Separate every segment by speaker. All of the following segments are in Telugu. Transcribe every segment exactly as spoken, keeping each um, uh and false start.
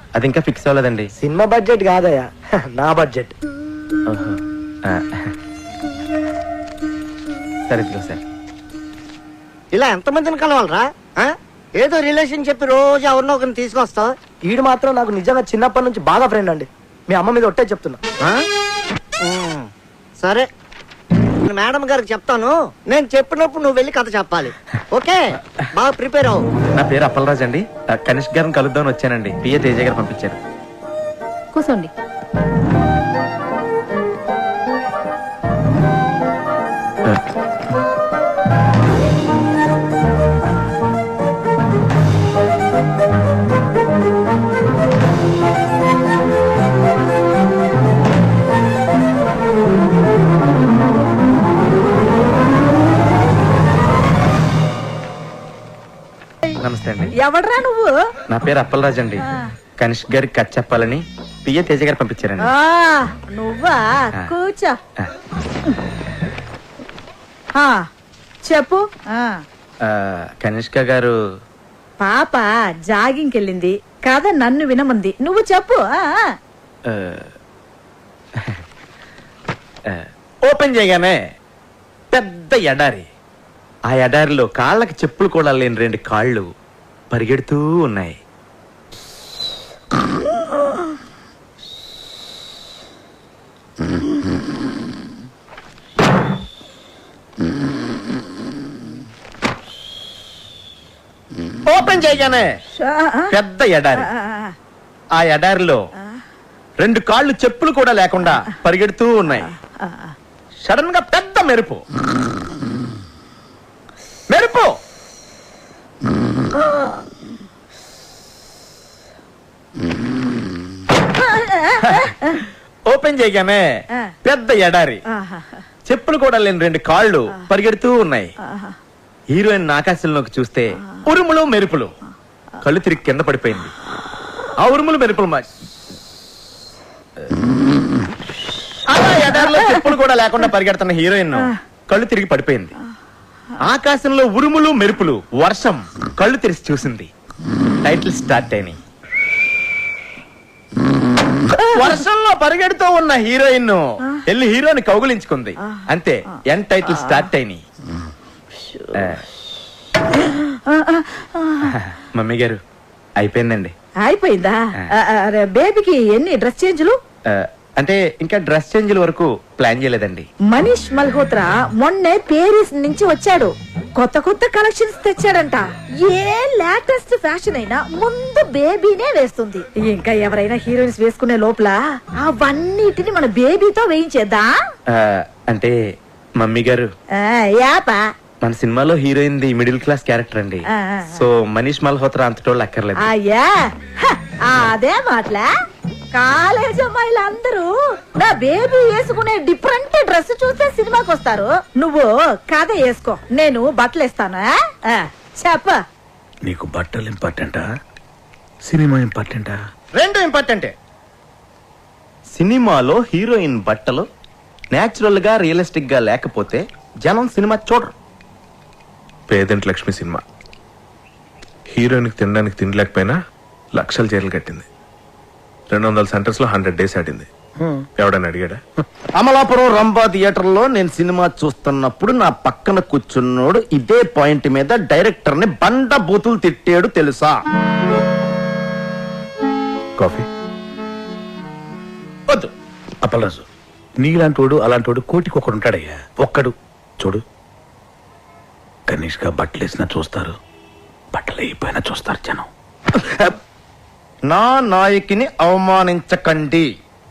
Speaker 1: అది ఇంకా ఫిక్స్ అవ్వలేదండి.
Speaker 2: సినిమా బడ్జెట్ కాదయ్యా, నా బడ్జెట్.
Speaker 1: సరే ఇదిగో సార్.
Speaker 3: ఇలా ఎంతమందిని కలవాలరా? ఏదో రిలేషన్ చెప్పి రోజు ఎవరినో ఒకరిని తీసుకొస్తావు.
Speaker 2: ఈడు మాత్రం నాకు నిజంగా చిన్నప్పటి నుంచి బాగా ఫ్రెండ్ అండి. మీ అమ్మ మీద ఒట్టే చెప్తున్నా.
Speaker 3: సరే మేడం గారికి చెప్తాను, నేను చెప్పినప్పుడు నువ్వు వెళ్ళి కథ చెప్పాలి. ఓకే, బాగా ప్రిపేర్ అవ్వు.
Speaker 1: నా పేరు అప్పలరాజు అండి. కనిష్క్ గారిని కలుద్దామని వచ్చానండి. పిఏ తేజ గారు పంపించారు.
Speaker 4: కూర్చోండి.
Speaker 1: నమస్తే అండి.
Speaker 4: ఎవడ్రా నువ్వు?
Speaker 1: నా పేరు అప్పలరాజు అండి. కనిష్క్ గారికి కథ చెప్పాలని పిఏ తేజ గారు పంపించారండి.
Speaker 4: నువ్వా? కూర్చో. చెప్పు.
Speaker 1: కనిష్క గారు
Speaker 4: పాప జాగింగ్కి వెళ్ళింది, కథ నన్ను వినమంది, నువ్వు చెప్పు.
Speaker 1: ఓపెన్ చేయగానే పెద్ద ఎడారి. ఆ ఎడారిలో కాళ్ళకి చెప్పులు కూడా లేని రెండు కాళ్ళు పరిగెడుతూ ఉన్నాయి. ఓపెన్ చేయగానే పెద్ద ఎడారి. ఆ ఎడారిలో రెండు కాళ్ళు చెప్పులు కూడా లేకుండా పరిగెడుతూ ఉన్నాయి. సడన్ గా పెద్ద మెరుపు మెరుపు ఓపెన్ చేయగానే పెద్ద ఎడారి. చెప్పులు కూడా లేని రెండు కాళ్ళు పరిగెడుతూ ఉన్నాయి. హీరోయిన్ ఆకాశంలోకి చూస్తే ఉరుములు మెరుపులు. కళ్ళు తిరిగి కింద పడిపోయింది. ఆ ఉరుములు మెరుపులు మా అలా ఎడారిలో చెప్పులు కూడా లేకుండా పరిగెడుతున్న హీరోయిన్ కళ్ళు తిరిగి పడిపోయింది. ఆకాశంలో ఉరుములు మెరుపులు, వర్షం. కళ్ళు తెరిచి చూసింది. టైటిల్ స్టార్ట్ అయినాయి. వర్షంలో పరిగెడుతూ ఉన్న హీరోయిన్ వెళ్ళి హీరోని కౌగులించుకుంది. అంతే, ఎన్ టైటిల్ స్టార్ట్ అయినాయి. మమ్మీ గారు అయిపోయిందండి.
Speaker 4: అయిపోయిందా? బేబీకి ఎన్ని డ్రెస్ చేంజ్లు?
Speaker 1: అంటే ఇంకా డ్రెస్ చేంజ్ వరకు ప్లాన్ చేయలేదండి.
Speaker 4: మనీష్ మల్హోత్రా మొన్నే పేరిస్ నుంచి వచ్చాడు. కొత్త కొత్త కలెక్షన్స్ తెచ్చాడంట. ఏ లేటెస్ట్ ఫ్యాషన్ అయినా ముందు బేబీనే వేస్తుంది. ఇంకా ఎవరైనా హీరోయిన్స్ వేసుకునే లోపల అవన్నిటిని మన బేబీతో వేయించేద్దా?
Speaker 1: అంటే మమ్మీ గారు
Speaker 4: యాపా
Speaker 1: మన సినిమాలో హీరోయిన్ ది మిడిల్ క్లాస్ క్యారెక్టర్ అండి. సో మనీష్ మల్హోత్రా అంతటోళ్ళు అక్కర్లేదు.
Speaker 4: అయ్యా అదే మాటలా. కాలేజ్ అమ్మాయిలందరూ నా బేబీ వేసుకునే డిఫరెంట్ డ్రెస్ చూస్తే సినిమాకి వస్తారు. నువ్వు కథ వేసుకో, నేను బట్టలు ఇస్తాను. చెప్ప.
Speaker 5: నీకు బట్టలు ఇంపార్టెంటా, సినిమా ఇంపార్టెంటా?
Speaker 1: రెండు ఇంపార్టెంటే. సినిమాలో హీరోయిన్ బట్టలు నేచురల్ గా రియలిస్టిక్ గా లేకపోతే జనం సినిమా చూడరు.
Speaker 5: పేదంటి లక్ష్మి సినిమా హీరోయిన్కి తినడానికి తినలేకపోయినా లక్షల చీరలు కట్టింది. రెండు వందల సెంటర్స్ లో హండ్రెడ్ డేస్ ఆడింది. ఎవడని అడిగాడా?
Speaker 1: అమలాపురం రంభా థియేటర్ లో నేను సినిమా చూస్తున్నప్పుడు నా పక్కన కూర్చున్నోడు ఇదే పాయింట్ మీద డైరెక్టర్ ని బండ బూతులు తిట్టాడు తెలుసా?
Speaker 5: కాఫీ
Speaker 1: వద్దు.
Speaker 5: అప్పలరాజు, నీలాంటోడు అలాంటోడు కోటికి ఒకడు ఉంటాడయ్యా. ఒక్కడు చూడు. కనీష్గా బట్టలు వేసినా చూస్తారు, బట్టలు అయిపోయినా చూస్తారు జనం.
Speaker 1: నా నాయకిని అవమానించకండి.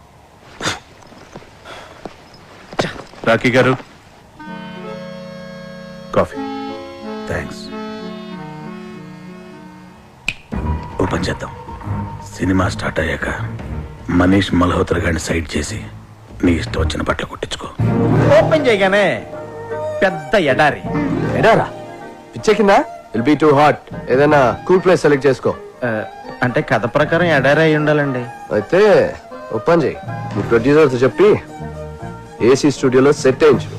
Speaker 5: రాఖీ గారు కాఫీ. థ్యాంక్స్. ఓపెన్ చేద్దాం. సినిమా స్టార్ట్ అయ్యాక మనీష్ మల్హోత్రా గారిని సైడ్ చేసి నీ ఇష్టం వచ్చిన బట్టలు కుట్టించుకో.
Speaker 1: ఓపెన్ చేయగానే పెద్ద ఎడారి.
Speaker 2: ఎడారా? పిచ్చెక్కిందా? Will be too hot. ఏదైనా కూల్ ప్లేస్ సెలెక్ట్ చేసుకో.
Speaker 1: అంటే కథ ప్రకారం ఎడారి అయి ఉండాలండి.
Speaker 2: అయితే ఓపెన్ చేయి. మీ ప్రొడ్యూసర్ తో చెప్పి ఏసీ స్టూడియోలో సెట్ అయించు.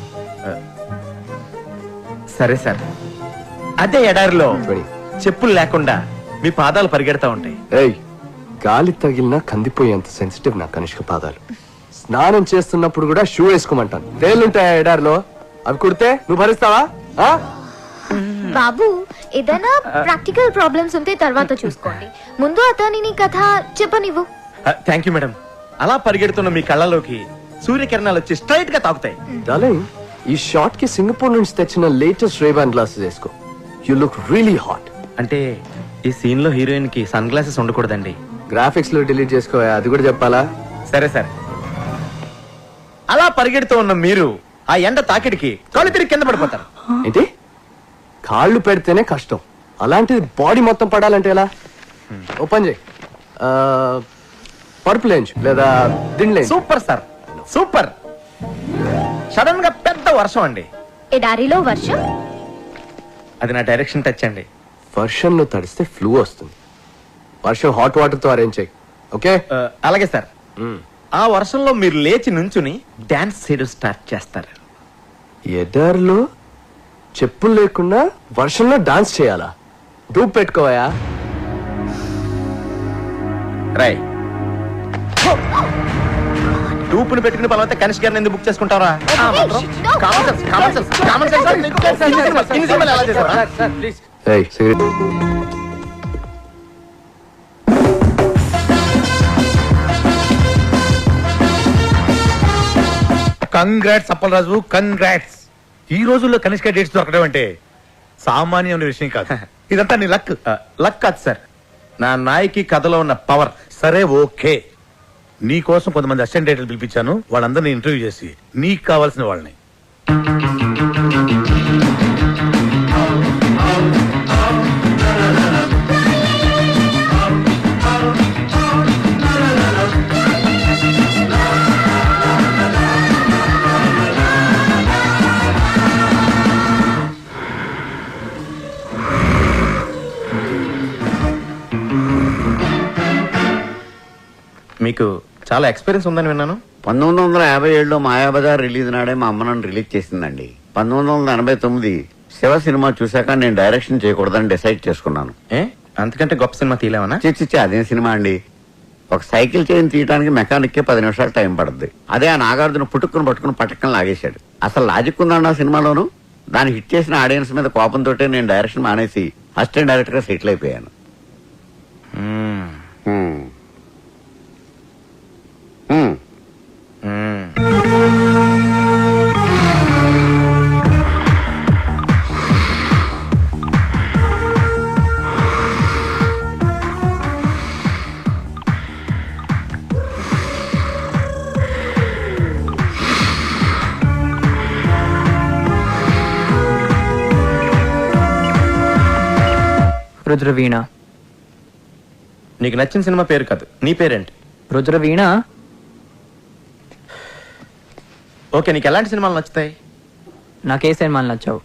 Speaker 1: సరే సార్. అదే ఎడారిలో చెప్పులు లేకుండా మీ పాదాలు పరిగెడతా ఉంటాయి.
Speaker 2: ఏయ్, గాలి తగిలినా కందిపోయేంత సెన్సిటివ్ నా కనిష్క పాదాలు. స్నానం చేస్తున్నప్పుడు కూడా షూ వేసుకోమంటాను. తేలుంటాయా ఎడారిలో? అవి కుడితే నువ్వు భరిస్తావా? ఆ?
Speaker 6: బాబు ఏదైనా ప్రాక్టికల్ ప్రాబ్లమ్స్ ఉంటే తర్వాత చూసుకోండి. ముందు అతనిని కథ చెప్పనివ్వు.
Speaker 1: Thank you madam. అలా పరిగెడుతున్న మీ కళ్ళలోకి సూర్యకిరణాలు వచ్చి స్ట్రైట్ గా తాకుతాయి.
Speaker 2: డార్లింగ్, ఈ షార్ట్ కి సింగపూర్ నుంచి తెచ్చిన లేటెస్ట్ రేబాన్ గ్లాసెస్ వేసుకో. You look really hot.
Speaker 1: అంటే ఈ సీన్ లో హీరోయిన్ కి సన్ గ్లాసెస్ ఉండకూడదండి.
Speaker 2: గ్రాఫిక్స్ లో డిలీట్ చేసుకో, అది కూడా చెప్పాలా?
Speaker 1: సరే సరే. అలా పరిగెడుతూ ఉన్న మీరు ఆ ఎండ తాకిడికి కాళ్ళు తిరిగి కింద పడిపోతారు.
Speaker 2: ఏంటి? కాళ్ళు పెడితేనే కష్టం, అలాంటిది బాడీ మొత్తం పడాలంటే ఎలా? ఓపెన్ చేయి. పరుపు లేంచు లేదా దిండ్లే.
Speaker 1: Super sir, super. సడన్ గా పెద్ద వర్షం అండి.
Speaker 6: ఎడారిలో వర్షం?
Speaker 1: అది నా డైరెక్షన్ టచ్ అండి.
Speaker 2: వర్షంలో తడిస్తే ఫ్లూ వస్తుంది. వర్షం హాట్ వాటర్ తో అరేంజ్ చేయి. ఓకే?
Speaker 1: ఆ, అలాగే సార్. ఆ వర్షంలో మీరు లేచి నుంచుని డాన్స్ చేయడం స్టార్ట్ చేస్తారు.
Speaker 2: ఎడారిలో చెప్పులు లేకుండా వర్షంలో డాన్స్ చేయాలా? డూప్ పెట్టుకోవా?
Speaker 1: రై డూపును పెట్టుకుని బలమైతే కనిష్క గారిని ఎందుకు బుక్ చేసుకుంటారా?
Speaker 2: ఏయ్, సిగరెట్.
Speaker 7: Congrats Appalaraju, congrats. ఈ రోజుల్లో కనిష్క డేట్స్ దొరకడం అంటే సామాన్యమైన విషయం కాదు. ఇదంతా నీ లక్.
Speaker 1: లక్ కాదు సార్, నా నాయకి కథలో ఉన్న పవర్.
Speaker 7: సరే ఓకే, నీ కోసం కొంతమంది అసిస్టెంట్ డైరెక్టర్లు పిలిపించాను. వాళ్ళందరినీ ఇంటర్వ్యూ చేసి నీకు కావాల్సిన వాళ్ళని.
Speaker 1: మీకు చాలా ఎక్స్పీరియన్స్ ఉందని విన్నాను.
Speaker 8: పంతొమ్మిది వందల యాభై ఏడులో మాయాబజార్ రిలీజ్ నాడే మా అమ్మ నన్ను రిలీజ్ చేసిందండి. పంతొమ్మిది వందల ఎనభై తొమ్మిది శివ సినిమా చూశాక నేను డైరెక్షన్ చేయకూడదని డిసైడ్ చేసుకున్నాను.
Speaker 1: ఏ అంతకంటే గొప్ప సినిమా తీయలేమనా?
Speaker 8: చిచ్చి అదేం సినిమా అండి. ఒక సైకిల్ చైన్ తీయడానికి మెకానిక్ పది నిమిషాలు టైం పడుద్ది. అదే ఆ నాగార్జున పుట్టుకుని పట్టుకుని పట్టకం లాగేశాడు. అసలు లాజిక్ ఉందండి ఆ సినిమాలోను. దాన్ని హిట్ చేసిన ఆడియన్స్ మీద కోపంతో నేను డైరెక్షన్ మానేసి అసిస్టెంట్ డైరెక్టర్ గా సెటిల్ అయిపోయాను.
Speaker 9: రుద్రవీణ.
Speaker 1: నీకు నచ్చిన సినిమా పేరు కాదు, నీ పేరేంటి?
Speaker 9: రుద్రవీణ.
Speaker 1: ఓకే, నీకు ఎలాంటి సినిమాలు నచ్చుతాయి?
Speaker 9: నాకే సినిమాలు నచ్చావు.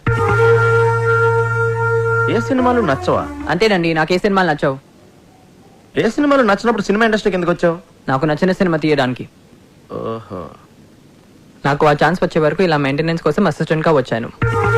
Speaker 1: ఏ సినిమాలు నచ్చవా?
Speaker 9: అంతేనండి, నాకే సినిమాలు నచ్చావు.
Speaker 1: ఏ సినిమాలు నచ్చినప్పుడు సినిమా ఇండస్ట్రీకి ఎందుకు వచ్చావు?
Speaker 9: నాకు నచ్చిన సినిమా తీయడానికి.
Speaker 1: ఓహో.
Speaker 9: నాకు ఆ ఛాన్స్ వచ్చే వరకు ఇలా మెయింటెనెన్స్ కోసం అసిస్టెంట్ గా వచ్చాను.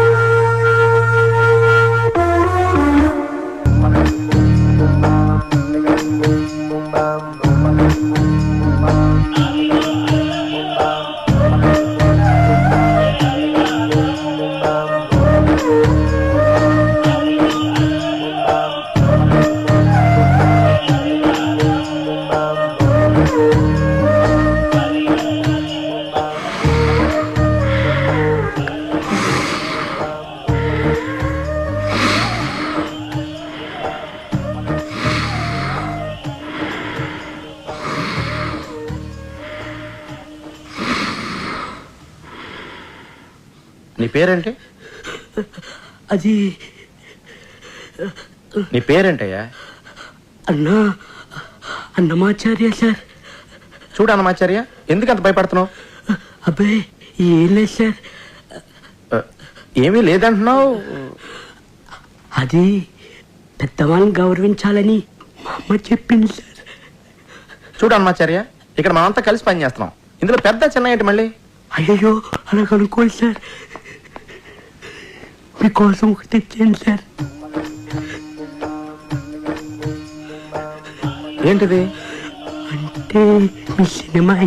Speaker 1: నీ పేరేంటి?
Speaker 10: అది
Speaker 1: నీ పేరేంటయ్యా?
Speaker 10: అన్నా అన్నమాచార్య సార్.
Speaker 1: చూడు అన్నమాచార్య, ఎందుకు అంత భయపడుతున్నావు?
Speaker 10: అబ్బాయి ఏం లేదు సార్.
Speaker 1: ఏమీ లేదంటున్నావు.
Speaker 10: అది పెద్దవాళ్ళని గౌరవించాలని మా అమ్మ చెప్పింది సార్.
Speaker 1: చూడు అన్నమాచార్య, ఇక్కడ మనమంతా కలిసి పని చేస్తున్నాం. ఇందులో పెద్ద చిన్న ఏంటి మళ్ళీ?
Speaker 10: అయ్యో అలా కనుక్కోండి సార్, మీకోసం ఒకటి తెచ్చాను సార్.
Speaker 1: ఏంటిది?
Speaker 10: అంటే మీ సినిమా